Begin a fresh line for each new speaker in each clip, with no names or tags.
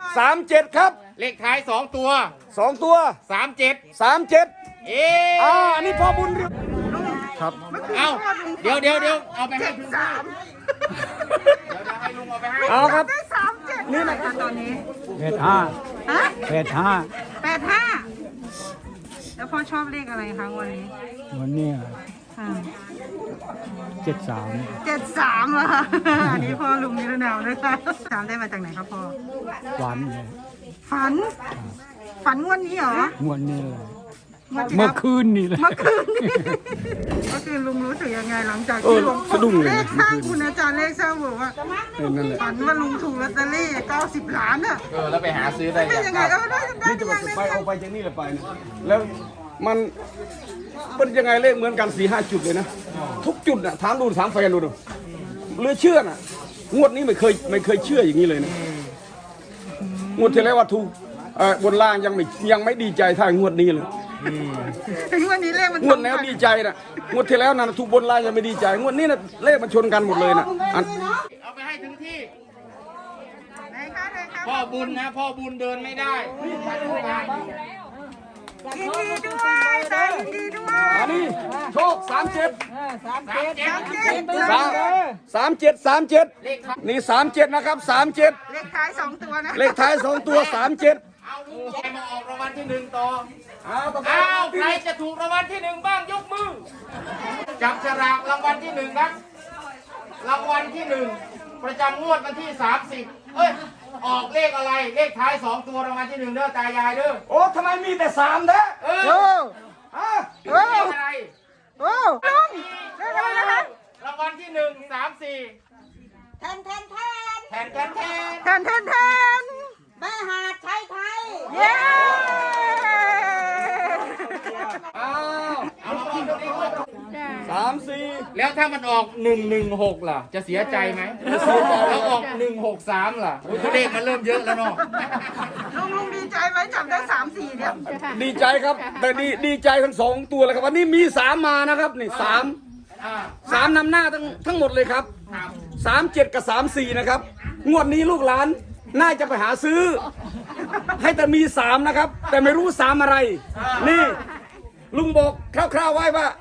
37ครับ
เลขท้าย2 ตัว
2 ตัว
37
37อันนี้พ่อบุญครับ
เอาเดี๋ยวเอาไปให้ถึงที่เดี๋ยวจะให้ลุงเอาไปให้
เอาครับ
นี่นะครับตอนนี้
85
ฮะ
85
85แล้วพ่อชอบเลขอะไรคะวันนี้
วันนี้
ค่ะ
73
73เหรอคะอันนี้พ่อลุงนิรนามนะคะถามได้มาจากไหนครับพ่อ
วันเลย
ฝันงวดนี้เหรอง
วดนี้เลย
งวดที่
เมื่อ
แล้ว
คืนนี่เลย
เมื่อคืนนี้ก็คือลุงรู้สึกยังไงหลังจากที่ลุง
สะดุ้งเลย
เลขสร้างคุณอาจารย์เลขสร้างบอกว่า
นั่นแหละ
ฝันว่าลุงถูกลอตเตอรี่90 ล้านอ่ะ
แล้วไปหาซื้อได้
เป็น
ยั
ยัง
ง
ไง
ครับ
ได้
นี่จะ
ยังไง
ไปเอาไปจากนี่เลยไปนะแล้วมันยังไงเลขเหมือนกัน4-5 จุดเลยนะทุกจุดน่ะถามดูถามแฟนดูเหลือเชื่อน่ะงวดนี้ไม่เคยเชื่ออย่างนี้เลยนะงวดที่แล้วว่าถูกบนล่างยังไม่ดีใจเท่างวดนี้เลย
ถึงวันนี้เลขมัน
งวดแล้วดีใจนะงวดที่แล้วนะถูกบนล่างยังไม่ดีใจงวดนี้นะเลขมันชนกันหมดเลยนะอัน
เอาไปให้ถึงที่
ไหนคะไหนคะ
พ่อบุญนะพ่อบุญเดินไม่ได้
ยินดีด้วยตายินดีด้วย
อันนี้โชค37
เลขท้าย
นี่37นะครับ37
เลขท้าย2 ตัวนะ
เลขท้าย2 ตัว37
เอาลุงใครมาออกรางวัลที่1ต่ออ้าวใครจะถูกรางวัลที่1บ้างยกมือจับฉลากรางวัลที่1ครับรางวัลที่1ประจำงวดวันที่30ออกเลขอะไรเลขท้าย2 ตัวรางวัลที่1เด้อตายายเด้อ
โอ้ทำไมมีแต่3แท้ ฮะ
เลขอะไร
โอ้ลุงเลขอะไรนะคะ
รางวัลที่1 3 4แทน
แทน
แม่หาดไทยไทย
เย้
อ้าว
เอารางวัลที่1
3-4
แล้วถ้ามันออก116ล่ะจะเสียใจไหมแล้วออก163ล่ะโอ้ยตัวเลขมันเริ่มเยอะแล้วเนาะ
ลุงดีใจไหมจับได้3-4เนี่ย
ดีใจครับ แต่ดีใจทั้ง2 ตัวเลยครับวันนี้มี3มานะครับนี่3นำหน้าทั้งหมดเลยครับ37กับ34นะครับงวดนี้ลูกหลานน่าจะไปหาซื้อ ให้แต่มี3นะครับแต่ไม่รู้3อะไรนี่ลุงบอกคร่าวๆไว้ว่า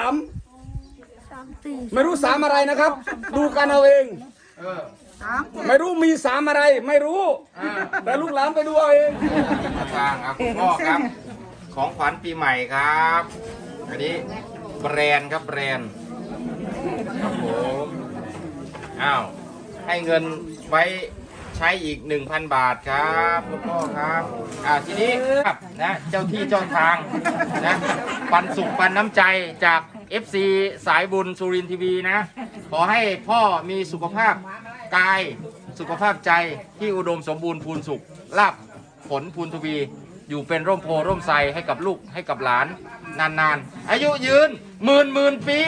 3ไม่รู้3อะไรนะครับ ดูกันเอาเอง ไม่รู้มี3อะไรไม่รู้ แต่ลูกหลานไปดูเอาเอง
ทางครับคุณพ่อครับ ของขวัญปีใหม่ครับ อันนี้แบรนด์ครับแบรนด์ครับผมอ้าวให้เงินไว้ใช้อีก 1,000 บาทครับคุณพ่อครับทีนี้ครับนะเจ้าที่เจ้าทางนะปันสุขปันน้ำใจจาก FC สายบุญสุรินทร์ทีวีนะขอให้พ่อมีสุขภาพกายสุขภาพใจที่อุดมสมบูรณ์พูนสุขลาภผลพูนทวี อยู่เป็นร่มโพร่มไทรให้กับลูกให้กับหลานนานๆอายุยืนหมื่นปี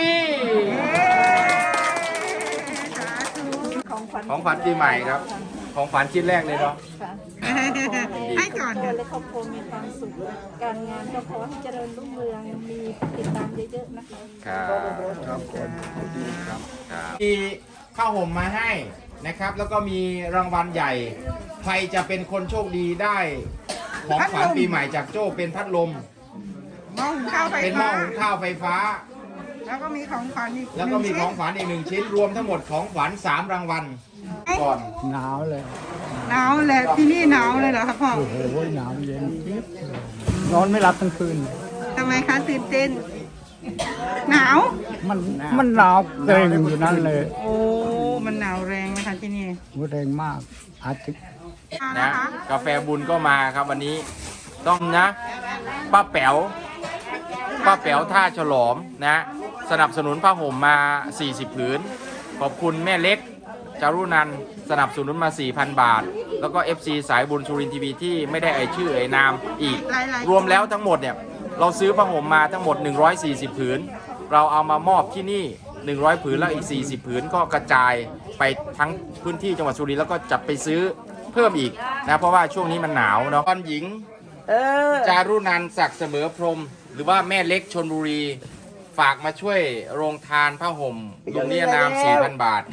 ของขวัญปีใหม่ครับของขวัญชิ้นแรกเลยเนาะ
ให้ก่อน
และครอบครัวมีความสุข การงานก็ขอให้เจริญรุ่งเรือง มีติดตามเยอะๆนะคะ
ครับมีข้าวห่มมาให้นะครับ แล้วก็มีรางวัลใหญ่ ใครจะเป็นคนโชคดีได้ของขวัญปีใหม่จากโจ้เป็นพัดลม
หม้อหุงข้าวไฟ
เป็นหม้
ฟ้า
อหุงข้าวไฟฟ้า
แล้วก็มีของขวัญอีก
แล้วก็มี
1
ของขวัญอีก1 ชิ้นรวมทั้งหมดของขวัญ3 รางวัลก่อน
หนาวเลย
หนาวเลยที่นี่หนาวเลยเหรอครับพ่อ
โอ้โหหนาวเย็นจี๊บเลยนอนไม่หลับทั้งคืน
ทำไมคะตื่นเต้น หนาว
มันหนาวเกรงอยู่นั่นเลย
โอ้มันหนาวแรงนะคะที่นี่
หัวแรงมากอาทิตย์
นะกาแฟบุญก็มาครับวันนี้ต้องนะป้าแป๋วท่าฉลอมนะสนับสนุนผ้าห่มมา 40 ผืน ขอบคุณแม่เล็กจารุนันท์สนับสนุนมา 4,000 บาท แล้วก็ FC สายบุญสุรินทร์ทีวีที่ไม่ได้เอ่ยชื่อเอ่ยนามอีก รวมแล้วทั้งหมดเนี่ยเราซื้อผ้าห่มมาทั้งหมด140 ผืน เราเอามามอบที่นี่100 ผืนแล้วอีก40 ผืนก็กระจายไปทั้งพื้นที่จังหวัดสุรินทร์แล้วก็จับไปซื้อเพิ่มอีกนะเพราะว่าช่วงนี้มันหนาวเนาะตอนหญิงจารุนันท์ศักดิ์เสมอพรหมหรือว่าแม่เล็กชลบุรีฝากมาช่วยโรงทานผ้าห่มลุงนิยนาม 4,000 บาทครับ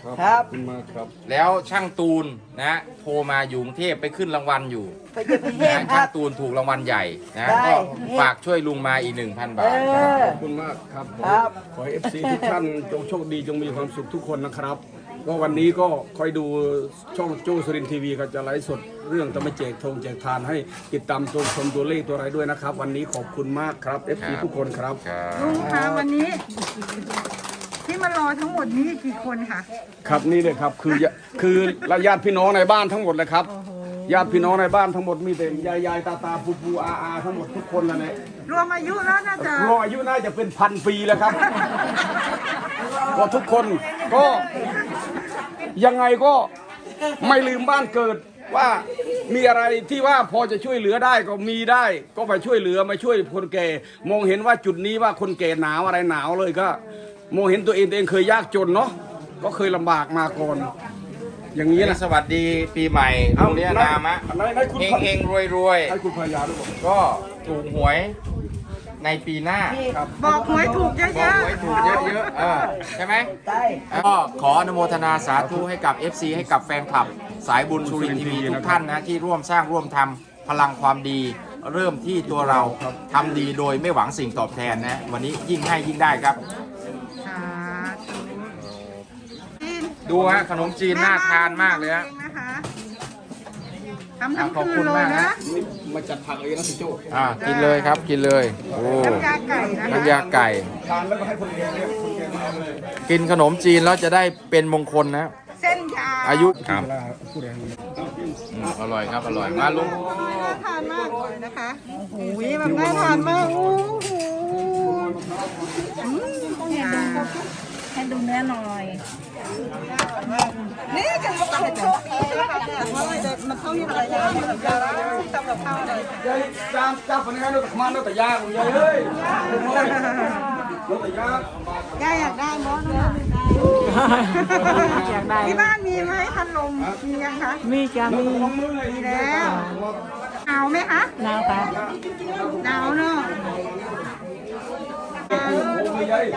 ครับ
ขอบคุณมากครับ
แล้วช่างตูนนะโทรมาอยู่กรุงเทพไปขึ้นรางวัลอยู่
ไปเยี่ยมประเทศ
นะ
ค
ช่า
รั
ง
บ
ตูนถูกรางวัลใหญ่นะ
ได้
ก็ฝากช่วยลุงมาอีก 1,000 บาท
ขอบคุณมากครับผม
ครับ
ขอให้ FC ทุกท่านจงโชคดีจงมีความสุขทุกคนนะครับก็วันนี้ก็คอยดูช่องโจ้สุรินทร์ทีวีเขาจะไลฟ์สดเรื่องจะไม่แจกธงแจกทานให้ติดตามชมตัวเลขตัวอะไรด้วยนะครับ วันนี้ขอบคุณมากครับ FC ทุกคนครับ
ลุงคะวันนี้ ที่มารอทั้งหมดนี้กี่คนคะ
ครับนี่เลยครับคือญาติพี่น้องในบ้านทั้งหมดเลยครับญาติพี่น้องในบ้านทั้งหมดมีแต่ยายตาปูอาทั้งหมดทุกคนแล้วเนี่ย
รวมอายุแล้วน่าจะ
รออายุน่าจะเป็น1,000 ปีแล้วครับ ก็ทุกคนก็ยังไงก็ไม่ลืมบ้านเกิดว่ามีอะไรที่ว่าพอจะช่วยเหลือได้ก็มีได้ก็ไปช่วยเหลือมาช่วยคนแก่มองเห็นว่าจุดนี้ว่าคนแก่หนาวอะไรหนาวเลยก็มองเห็นตัวเองเคยยากจนเนาะก็เคยลำบากมาก่อนอย่างนี้นะ
สวัสดีปีใหม่ลุงเรียนามะ
ในคุณ
เฮงๆรวย
ให้คุณภรรยาด้วยบอก
ๆ ก็ถูกหวยในปีหน้า
บอกหวยถูกเย
บอก
อะ
หวยถูกเยอะๆใช่ไหม
ได้
ก็ขออนุโมทนาสาธุให้กับ FC ให้กับแฟนคลับ สายบุญสุรินทร์ทีวีทุกท่านนะที่ร่วมสร้างร่วมทำพลังความดี เริ่มที่ตัวเราทำดีโดยไม่หวังสิ่งตอบแทนนะ วันนี้ยิ่งให้ยิ่งได้ครับ
ๆสาธุจีน
ดูฮะขนมจีนน่าทานมากเลยฮะ
แม่บ้านทำเองนะคะทำทั้ง
ขอบ
คื
คุ
น
ณ
เล
มาย ก
นะ
ฮะ
มาจัดผักเองนะสิโจ้
กินเลยครับกินเลยโอ้
น้ำยาไก่นะคะ
น้ำยาไก่
ทานแล้วก็ให้คนแก่เนี่ยคนแก่มาเลย
กินขนมจีนแล้วจะได้เป็นมงคลนะ
เส้นยาว
อายุครับ
เวลาพูดอะไร
อร่อยครับอร่อยมาลุง
น่าทานมากเลยนะคะโอ้โหแบบน่าทานมากโอ้โห
ให้ดูเนื้อหน่อย
นี่กันก็เป็นโชคดีนะคะแต่ว่ามันเท่านี้อะไรอย่างเงี้ยทำกับข้าวอะไร
ยายจ้าคนนี้ให้เรามาเราแต่ยากยายเฮ้ยเราแต่ยาก
ย่าอยากได้บอสนะอยากได้ที่บ้านมีไหมพัดลมมียังคะ
มีจะมี
ลงมือเลย
มีแล้วหนาวไหมคะ
น้ำค่ะ
หนาวเนอะ
ยาย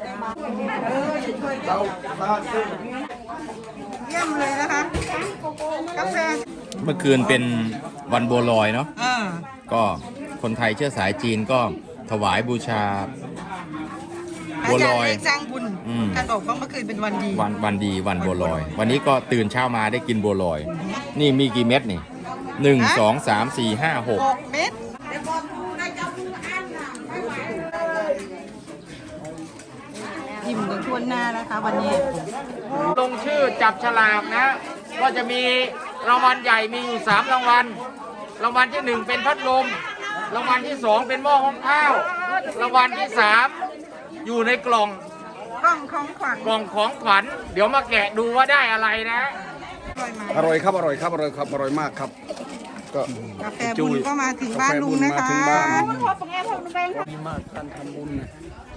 เราตาตึง
เยี่ยมเลยนะคะกาแฟ
เมื่อคืนเป็นวันบัวลอยเนาะ
อ่า
ก็คนไทยเชื้อสายจีนก็ถวายบูชา บัวลอย
สร้างบุญ
อืม
ท่านบอกว่าเมื่อคืนเป็นวันดี
วันดีวันบัวลอย วันนี้ก็ตื่นเช้ามาได้กินบัวลอย นี่มีกี่เม็ดนี่1 2 3 4 5 6
6 เม็ดอิ่มกันทั่วหน้านะคะวันนี้
ลงชื่อจับฉลากนะ ก็จะมีรางวัลใหญ่มีอยู่3รางวัล รางวัลที่ 1 เป็นพัดลม รางวัลที่ 2 เป็นหม้อหุงข้าว รางวัลที่ 3 อยู่ในกล่อง
กล่องของขวัญ
กล่องของขวัญ เดี๋ยวมาแกะดูว่าได้อะไรนะ
อร่อยไหม
อร่อยครับอร่อยครับอร่อยครับอร่อยมากครับก็
กาแฟบุญก็มาถึงบ้านลุงนะคะ
กาแฟบุญมาถึงบ้าน
ค่ะ
ดีมากการทำบุญเนี่ย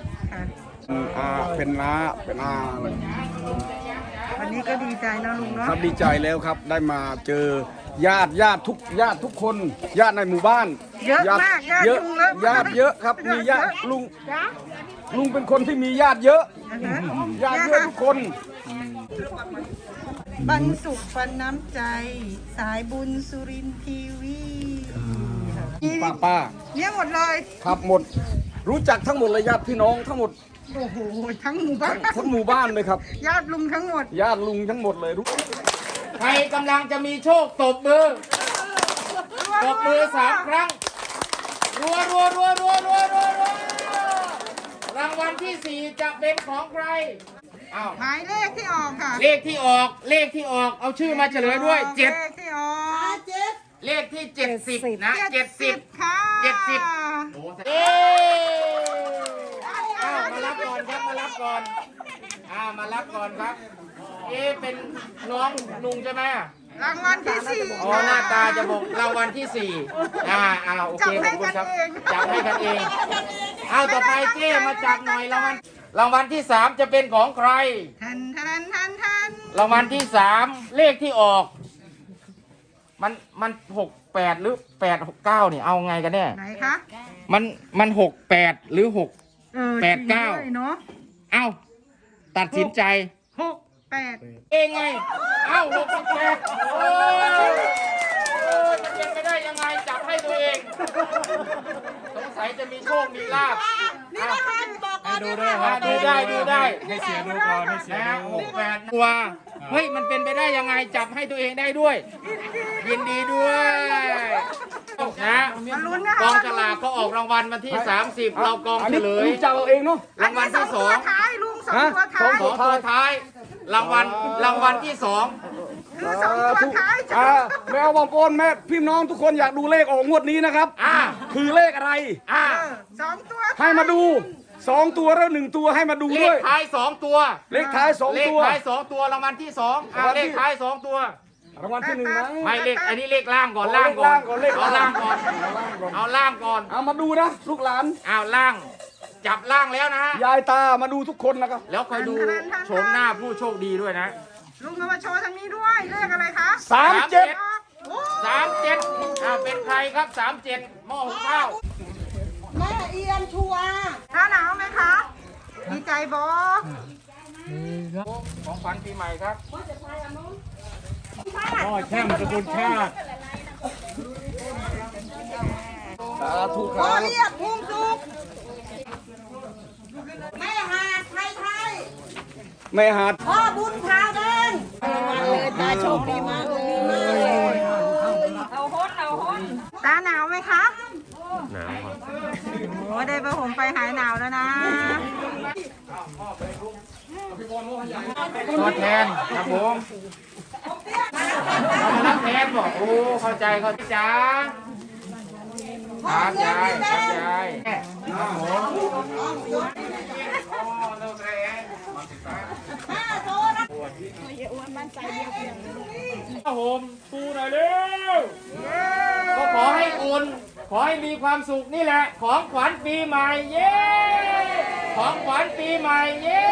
เป็นน้าเป็นอาอะไร
วันนี้ก็ดีใจนะลุงเนาะ
ครับดีใจแล้วครับได้มาเจอญาติทุกคนญาติในหมู่บ้าน
เยอะมากญาติ
เยอะ
ลุงเยอะมาก
ญาติเยอะครับมีญาติลุงเป็นคนที่มีญาติเยอะ
นะคะ
ญาติเยอะทุกคน
ปันสุขปันน้ำใจ สายบุญสุรินทร์ทีวีนี่
ป้า
เนี่ยหมดเลย
ครับหมด รู้จักทั้งหมดเลยญาติพี่น้องทั้งหมด
โอ้โหทั้งหมู่บ้าน
ทั้งหมู่บ้านเลยครับ
ญาติลุงทั้งหมด
ญาติลุงทั้งหมดเลยรู้
ใครกำลังจะมีโชคตบมือ ตบมือ3 ครั้ง รัวรางวัลที่ 4 จะเป็นของใครอ้าว
หมายเลขที่ออกค่ะ
เลขที่ออก เอาชื่อมาเฉลยด้วย
เลขที่ออก
เลขที่ 70 นะ 70
ค่ะ
70 โอ้เอ๊มารับก่อนครับ มารับก่อนครับ เป็นน้องลุงใช่ไหม
รางวัลที่ 4
อ๋อหน้าตาจะบอกรางวัลที่ 4โอเคขอบคุณครับ จับให้กันเอง เอาต่อไปเจ้มาจับหน่อยรางวัลที่ 3 จะเป็นของใคร
ทัน
รางวัลที่ 3 เลขที่ออก มัน68 หรือ 869เนี่ยเอาไงกันแน่
ไหนคะ
มัน68 หรือ6
เออ
89
จริงด้วยเนาะ
เอ้าตัดสินใจ
6 68
เองไง เอ้า68โอ้ยมันเป็นไปได้ยังไงจับให้ตัวเอง สงสัยจะมีโชค มีลาภ
นี่นะคะบอกก่อน
ดู
นะ
ได้
คะ
ดูได้ดูได้
ให้เสียดูก่อนให้เสีย
นะ
ดู
68ตัว เฮ้ย มันเป็นไปได้ยังไงจับให้ตัวเองได้ด้วย ยินดีด้วยนะ
มาลุ้นนะคะ
กองฉลากก็ออกรางวัลวันที่ 30 เรากอง
อัน
เฉ
นี้
ลย
ลุงจะเอาเองเนาะ
รางวัลที่
สองตัวท้ายลุงสองตัวท้าย
2 ตัวท้าย รางวัลที่
คือสองตัวท้ายจะ
แม่บอมปนแม่พี่น้องทุกคนอยากดูเลขออกงวดนี้นะครับ คือเลขอะไร
สองตัว
ให้มาดู2ตัวแล้ว1ตัวให้มาดู
เล
ด้
ข
วย
ท้าย2ตัว
เลขท้าย2
เลข
ตัว
ท้าย2ตัวรางวัลที่2เลขท้าย2ตัว
รางวัลที่1นะ
ไม่เลขอันนี้เลขล่างก่อน
เอา
ล่างก่อน
เลข
เอา
ล่า
ล่าง ง
ก่
ก่
อ
อน นเอาล่างก่อน
เอามาดูนะลูกหลาน
เอาล่าง จับล่างแล้วนะฮะ
ยายตามาดูทุกคนนะครับ
แล้วคอยดูโฉมหน้าผู้โชคดีด้วยนะ
ลุงเอามาโชว์ทางนี้ด้วยเลขอะไรคะ
37
โอ้
37เป็นใครครับ37หม้อหุงข้าว
แม่เอียนชัวหน้าหนาวไหมคะ ดีใจบอ
ของขวัญปีใหม่ครับ
พ่อแช่มสกุลชาติ
สาธุค
พ่อ
รับ
เรียกมุงสุกแม่หาดไทยไทย
แม่หัด
พ่อบุญพาแดงตาโชคดีมากเลยตาหนาวไหมคะหนาวครับโอ้ได้ประผมไปหายหนาวแล้วนะ
ตัวแทนครับผมรับแทนบอกโอ้เข้าใจจ้าครับยายครับยายครับผมครับผมชูหน่อยเร็วก็ขอให้อุ่นขอให้มีความสุขนี่แหละ ของขวัญปีใหม่เย้ของขวัญปีใหม่เย้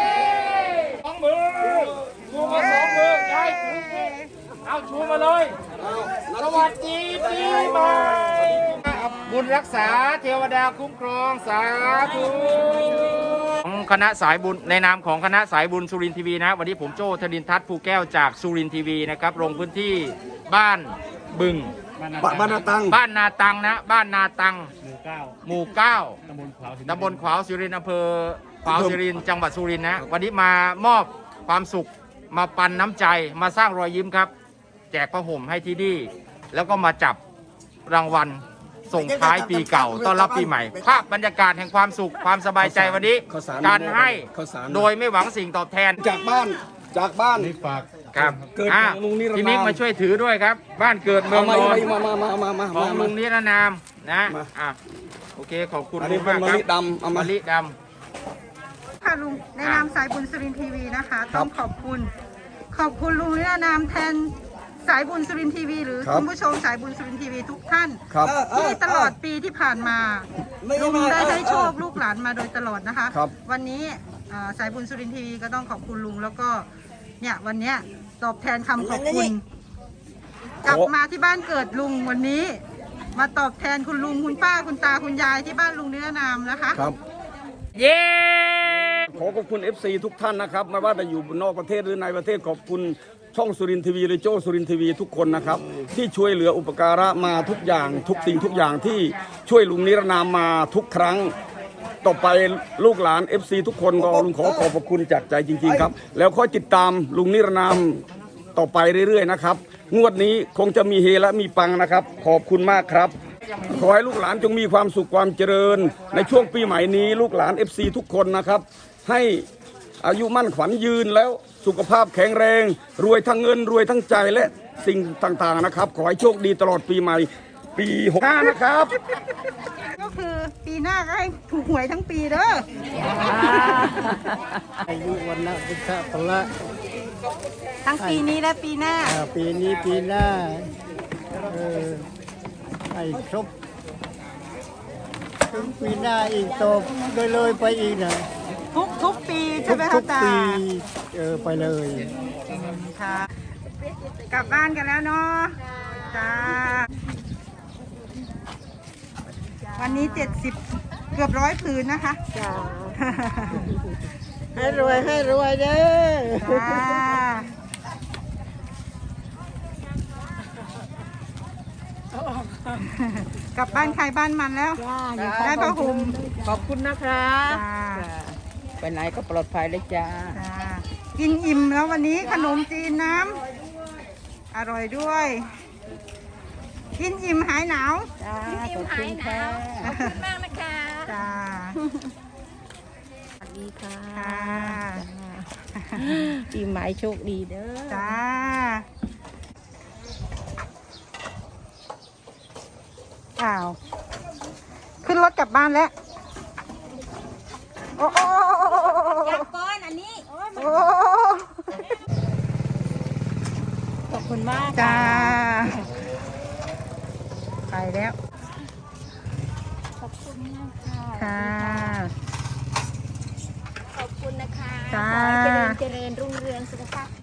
2 มือชูมา2 มือยายถือสิเอาชูมาเลยสวัสดีปีใหม่บุญรักษาเทวดาคุ้มครองสาธุของคณะสายบุญในนามของคณะสายบุญสุรินทร์ทีวีนะวันนี้ผมโจ้ธนินทัศน์ภูแก้วจากสุรินทร์ทีวีนะครับลงพื้นที่บ้านบึง
บ้านนาตัง
บ้านนาตังนะบ้านนาตัง
หมู่เก้า
หมู่ 9
ตำบลขวาว
ตำบลขวาวสุรินทร์อำเภอขวาวสุรินทร์จังหวัดสุรินทร์นะวันนี้มามอบความสุขมาปันน้ำใจมาสร้างรอยยิ้มครับ แจกผ้าห่มให้ที่นี่แล้วก็มาจับรางวัลส่งท้ายปีเก่าต้อนรับปีใหม่ภาพบรรยากาศแห่งความสุขความสบายใจวันนี้
ข้าวสาร
การให้
ข้าวสาร
โดยไม่หวังสิ่งตอบแทน
จากบ้าน
นี่ฝาก
ครับ
เกิดของลุงนิรนาม
พี่มิกมาช่วยถือด้วยครับ บ้านเกิดเมืองนอน
มา
ของลุงนิรนามนะ
มา
โอเคขอบคุณ
อันนี้
มาก
เป็น
ครับ
มะลิดำเอามาม
ะลิด
ค่ะลุงในนามสายบุญสุรินทร์ทีวีนะคะ ต้องขอบคุณลุงในนามแทนสายบุญสุรินทร์ทีวี หรือคุณผู้ชมสายบุญสุรินทร์ทีวีทุกท่าน
ครับ
ที่ตลอดปีที่ผ่านมาลุงได้ให้โชคลูกหลานมาโดยตลอดนะคะ
ครับ
วันนี้สายบุญสุรินทร์ทีวีก็ต้องขอบคุณลุงแล้วก็เนี่ยวันเนี้ยตอบแทนคำขอบคุณกลับมาที่บ้านเกิดลุงวันนี้ มาตอบแทนคุณลุงคุณป้าคุณตาคุณยายที่บ้านลุงนิรนามนะคะ
ครับ
ำเย้
ขอขอบคุณ FC ทุกท่านนะครับไม่ว่าจะอยู่นอกประเทศหรือในประเทศขอบคุณช่องสุรินทร์ทีวีหรือโจ้สุรินทร์ทีวีทุกคนนะครับที่ช่วยเหลืออุปการะมาทุกอย่างทุกสิ่งทุกอย่างที่ช่วยลุงนิรนามมาทุกครั้ง ต่อไปลูกหลาน FC ทุกคนก็ลุงขอขอบพระคุณจากใจจริงๆครับแล้วค่อยติดตามลุงนิรนามต่อไปเรื่อยๆนะครับงวดนี้คงจะมีเฮและมีปังนะครับขอบคุณมากครับ ขอให้ลูกหลานจงมีความสุขความเจริญ ในช่วงปีใหม่นี้ลูกหลาน FC ทุกคนนะครับให้อายุมั่นขวัญยืนแล้วสุขภาพแข็งแรง รวยทั้งเงินรวยทั้งใจและสิ่งต่างๆนะครับขอให้โชคดีตลอดปีใหม่ปี65นะครับ
ก็คือปีหน้าก็ให้ถูกหวยทั้งปีเด้อ
อายุวันนะพุทธพละ
ทั้งปีนี้และปีหน้า
ปีนี้ปีหน้าให้ครบถึงปีหน้าอีกต่อเลยไปอีกนะ
ทุกปีใช่ไหม
ทุ
คะ
ก
ตา
ปีไปเลย
ค่ะ กลับบ้านกันแล้วเนาะจ้าวันนี้70เกือบ100ผืนนะคะจ้า
ให้รวยเด้อ
จ้ากลับบ้านใครบ้านมันแล้ว ได้ผ้าห่ม
ขอบคุณนะคะ
จ้า
ไปไหนก็ปลอดภัยเลยจ้า
จ้ากินอิ่มแล้ววันนี้ขนมจีนน้ำอร่อยด้วย กินอิ่มหายหนาว
จ้าขอบคุณค่ะขอบคุณมากนะคะ
จ้า
สวัสดีค่ะ
ค่ะ
ปีใหม่โชคดีเด้อ
จ้าอ้าวขึ้นรถกลับบ้านแล้วโอ้โอ้
ก้อนอันนี้
โอ้
ขอบคุณมาก
จ้าไปแล้ว
ขอบคุณมากค่ะ
ค่ะ
ขอบคุณนะคะ
จ้า
ขอให้เจริญรุ่งเรืองสุขภาพ